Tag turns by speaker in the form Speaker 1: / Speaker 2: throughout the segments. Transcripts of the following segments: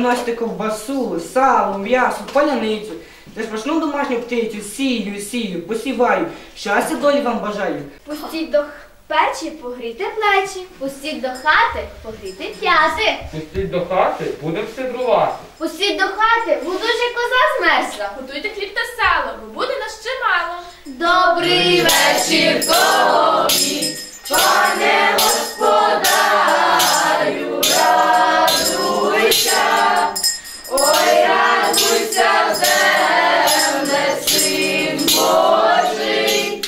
Speaker 1: приносите ковбасу, сало, м'ясо, паляницю. Та смачну домашню птицю, сію, посіваю. Щастя долі вам бажаю.
Speaker 2: Пустіть до печі, погрійте плечі. Пустіть до хати, погрійте п'яти.
Speaker 3: Пустіть до хати, будемо щедрувати.
Speaker 2: Пустіть до хати, бо дуже коза змерзла.
Speaker 4: Готуйте хліб та сало, бо буде нас чимало.
Speaker 2: Добрий вечір тобі, пане господарю, радуйся, ой, радуйся, земле, син Божий,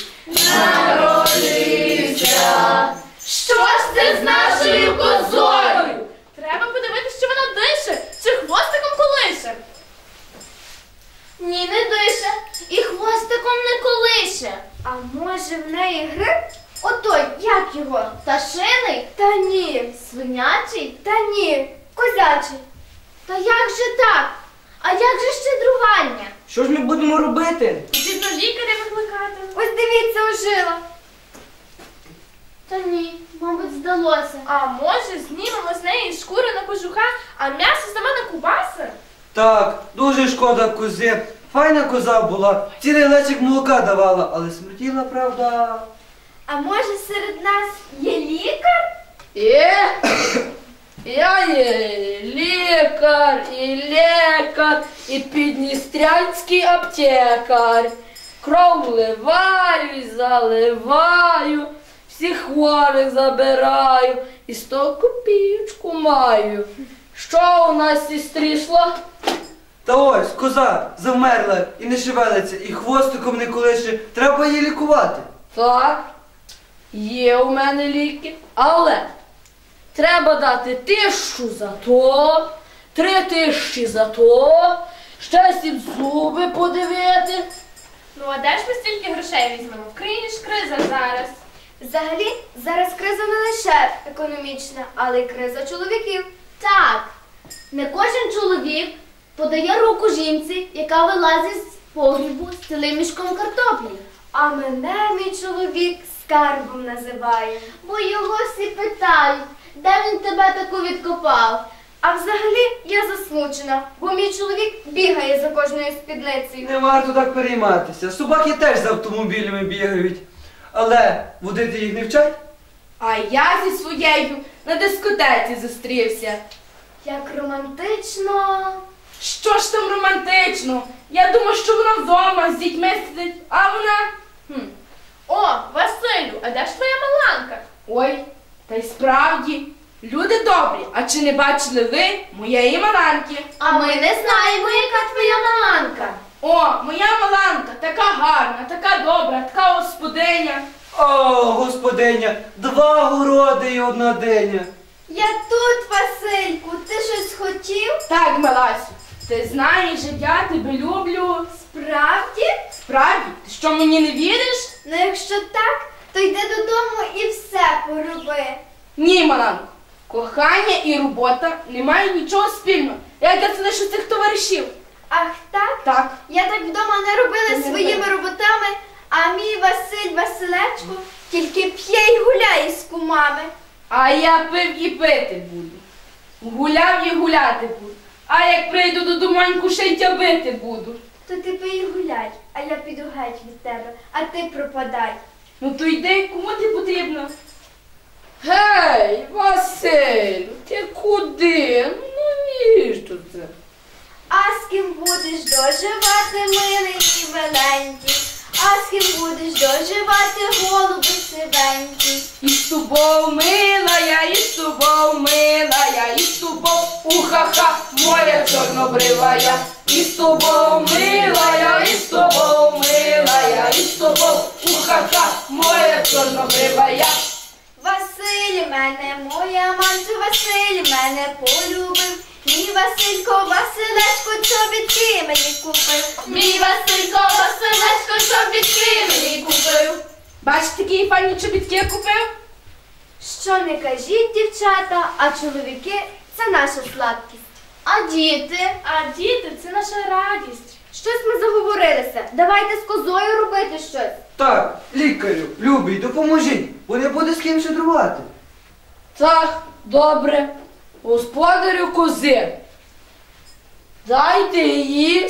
Speaker 2: народився. Що ж це з нашою козою?
Speaker 4: Треба подивитися, чи вона дише, чи хвостиком колише.
Speaker 2: Ні, не дише, і хвостиком не колише. А може в неї грип? Отой, як його? Пташиний? Та ні. Свинячий? Та ні. Козячий. Та як же так? А як же щедрування?
Speaker 1: Що ж ми будемо робити?
Speaker 4: Потрібно лікаря викликати.
Speaker 2: Ось дивіться, ожила. Та ні, мабуть, здалося.
Speaker 4: А може знімемо з неї шкуру на кожуха, а м'ясо саме на кубаси?
Speaker 5: Так, дуже шкода кози. Файна коза була, цілий лечик молока давала, але смертіла, правда.
Speaker 2: А може серед нас є лікар?
Speaker 6: Я є лікар, і підністрянський аптекар. Кров вливаю і заливаю, всіх хворих забираю, і 100 копійочку маю. Що у нас сестрішло?
Speaker 5: Та ось, коза завмерла і не шевелиться, і хвостиком не колише. Треба її лікувати.
Speaker 6: Так, є у мене ліки, але треба дати 1000 за то, 3000 за то, ще 7 зуби подивити.
Speaker 4: Ну а де ж ми стільки грошей візьмемо? В країні ж криза зараз.
Speaker 2: Взагалі, зараз криза не лише економічна, але й криза чоловіків. Так, не кожен чоловік подає руку жінці, яка вилазить з погрібу з цілим мішком картоплі. А мене мій чоловік скарбом називає, бо його всі питають, де він тебе таку відкопав. А взагалі я засмучена, бо мій чоловік бігає за кожною спідницею.
Speaker 5: Не варто так перейматися. Собаки теж з автомобілями бігають. Але водити їх не вчать?
Speaker 6: А я зі своєю на дискотеці зустрівся.
Speaker 2: Як романтично.
Speaker 6: Що ж там романтично? Я думав, що вона вдома з дітьми сидить, а вона...
Speaker 4: О, Василю, а де ж твоя маланка?
Speaker 6: Ой, та й справді, люди добрі, а чи не бачили ви моєї маланки?
Speaker 2: А ми не знаємо, яка твоя маланка.
Speaker 6: О, моя маланка, така гарна, така добра, така господиня.
Speaker 5: О, господиня, 2 городи і 1 диня.
Speaker 2: Я тут, Васильку, ти щось хотів?
Speaker 6: Так, Меласю, ти знаєш, я тебе люблю.
Speaker 2: Справді?
Speaker 6: Справді, ти що, мені не віриш?
Speaker 2: Ну якщо так, то йди додому і все пороби.
Speaker 6: Ні, маланко, кохання і робота не мають нічого спільного. Як я це лише цих товаришів.
Speaker 2: Ах так?
Speaker 6: Так.
Speaker 2: Я так вдома не робила своїми роботами, а мій Василечко тільки п'є й гуляє з кумами.
Speaker 6: А я пив і пити буду. Гуляв і гуляти буду. А як прийду додоманьку, ще й тябити буду.
Speaker 2: То ти пий і гуляй, а я піду геть від тебе, а ти пропадай.
Speaker 6: Ну то йди, кому ти потрібно? Гей, Василю, ти куди? Ну навіщо це?
Speaker 2: А з ким будеш доживати, милий і миленький? А з ким будеш доживати, голуби сивенький?
Speaker 6: І з тобою мила я, і з тобою мила я, і з тобою уха-ха, моя чорнобрива я. І з тобою мила я, і з тобою мила я, і з тобою уха-ха, моя чорнобрива я.
Speaker 2: Василь мене, моя манцю, Василь мене полюбив. Мій Василько, Василечко, чобітки мені купив.
Speaker 4: Мій Василько, Василечко, чобітки мені купив.
Speaker 6: Бачите, які файні чобітки я купив?
Speaker 2: Що не кажіть, дівчата, а чоловіки – це наша сладкість. А діти?
Speaker 4: А діти – це наша радість.
Speaker 2: Щось ми заговорилися. Давайте з козою робити щось.
Speaker 5: Так, лікарю, любий, допоможіть, бо не буде з ким щедрувати.
Speaker 6: Так, добре. Господарю кози, Дайте її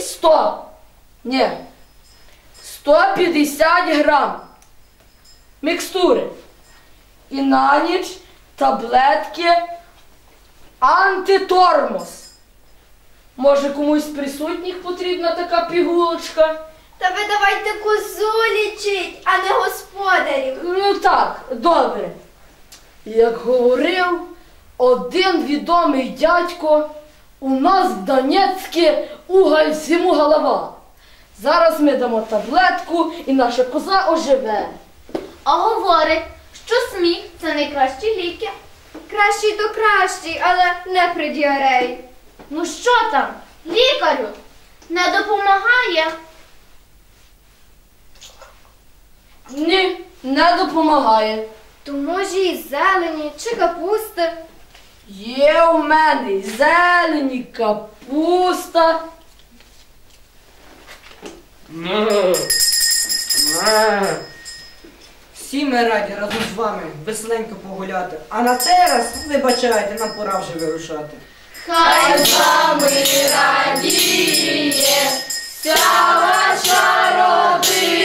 Speaker 6: 150 грам мікстури. І на ніч таблетки антитормоз. Може, комусь з присутніх потрібна така пігулочка?
Speaker 2: Та ви давайте козу лічить, а не господарів.
Speaker 6: Ну так, добре. Як говорив один відомий дядько, у нас в Донецьку уголь всьому голова. Зараз ми дамо таблетку і наша коза оживе.
Speaker 2: А говорить, що сміх – це найкращі ліки. Кращий то кращий, але не при діареї. Ну що там, лікарю? Не допомагає?
Speaker 6: Ні, не допомагає.
Speaker 2: То може і зелені чи капусти.
Speaker 6: Є у мене й зелені, капуста.
Speaker 1: Всі ми раді разом з вами веселенько погуляти. А на цей раз, вибачайте, нам пора вже вирушати.
Speaker 4: Хай з вами радіє вся ваша родина.